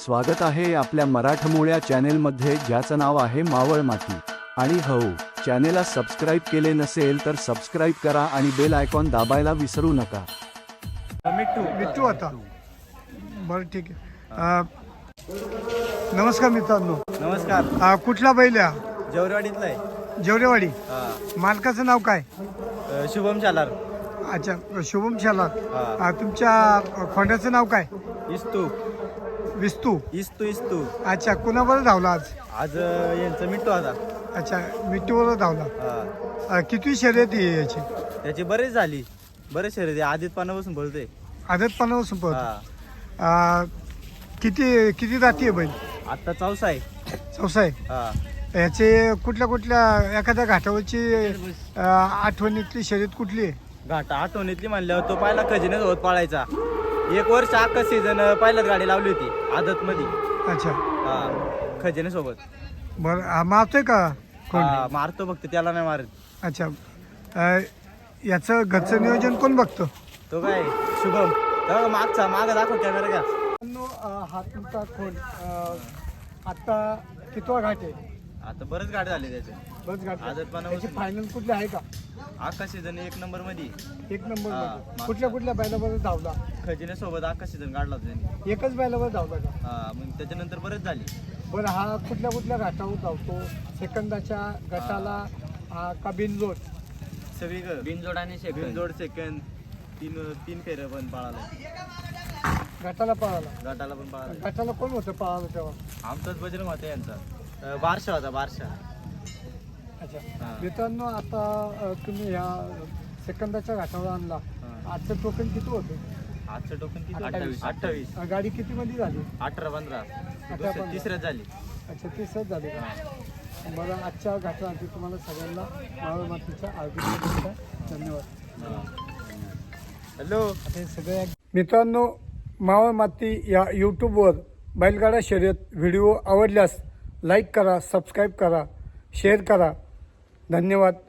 स्वागत आहे आपल्या मराठमोळ्या चॅनेलमध्ये, ज्याचं नाव आहे मावळ माती. आणि हो, चॅनेलला सबस्क्राईब केले नसेल तर सबस्क्राईब करा आणि बेल आयकॉन दाबायला विसरू नका. मिट्टू आता बरं ठीक आहे. नमस्कार मित्रांनो. नमस्कार. कुठला बैल आहे? जेवरेवाडीतला आहे. जेवरेवाडी. मालकाचं नाव काय? शुभम शालार. अच्छा, शुभम शालार. तुमच्या खोंड्याचं नाव काय? इस्तू विस्तू. इस्तू. अच्छा, कुणाबरोबर धावला आज? आज यांचं मिट्टू आता. अच्छा, मिट्टूबरोबर धावला. किती शर्यत आहे याची? त्याची बरेच झाली, बरेच शर्यती आधीत पानापासून बोलतोय. आदतपणापासून पळतो. किती किती जाती आहे बैल? आता चौसा आहे. चौसा आहे. हा. याचे कुठल्या एखाद्या घाटावरची आठवणीतली शर्यत कुठली आहे? घाटा आठवणीतली म्हणल्यावर तो पहिला खजिनेच होत पाळायचा. 1 वर्ष अख्खा सीझन पहिल्याच गाडी लावली होती आदत मध्ये. अच्छा. खजिने सोबत. बरं, मारतोय का कोण? मारतो फक्त, त्याला नाही मारत. अच्छा. याचं घरचं नियोजन कोण बघतो? तो काय शुभम. तेव्हा माग दाखव कॅमेरा का. हा तुमचा कोण आता कितवा घाट आहे? आता बरेच गाडी झाली त्याचे. बस घाट. आदतपणा त्याची फायनल कुठली आहे का? अख्खा सीझन 1 नंबर मध्ये. एक नंबर हा, मध्ये. कुठल्या बैलाबरोबर धावला? खजिने सोबत अख्खा सीझन काढला होता त्यांनी. एकच बैलाबरोबर धावला का? मग त्याच्यानंतर बरेच झाली. बरं, हा कुठल्या घाटावर धावतो? सेकंदाच्या गटाला का बिनजोड? सगळी बिनजोड आणि बिनजोड सेकंद तीन फेऱ्या पण पळाला. गटाला पळाला. गटाला पण पळाला. गटाला कोण होतं पळाला तेव्हा? आमचाच बजरंग होता यांचा. बारशा होता, बारशा. अच्छा. हा. मित्रांनो, आता तुम्ही ह्या सेकंदाच्या घाटावर आणला. आजचं टोकन किती होतं? आजचं टोकन किती? 28. 28. गाडी किती मध्ये झाली? 18-15. 18-15. तिसऱ्याच झाली. अच्छा, तिसरंच झाली का? बरं, आजच्या घाटासाठी तुम्हाला सगळ्यांना मावळ मातीच्या हार्दिक शुभेच्छा. धन्यवाद. हॅलो. आता हे सगळे मित्रांनो, मावळ माती या यूट्यूबवर बैलगाडा शर्यत व्हिडिओ आवडल्यास लाईक करा, सबस्क्राईब करा, शेअर करा. धन्यवाद.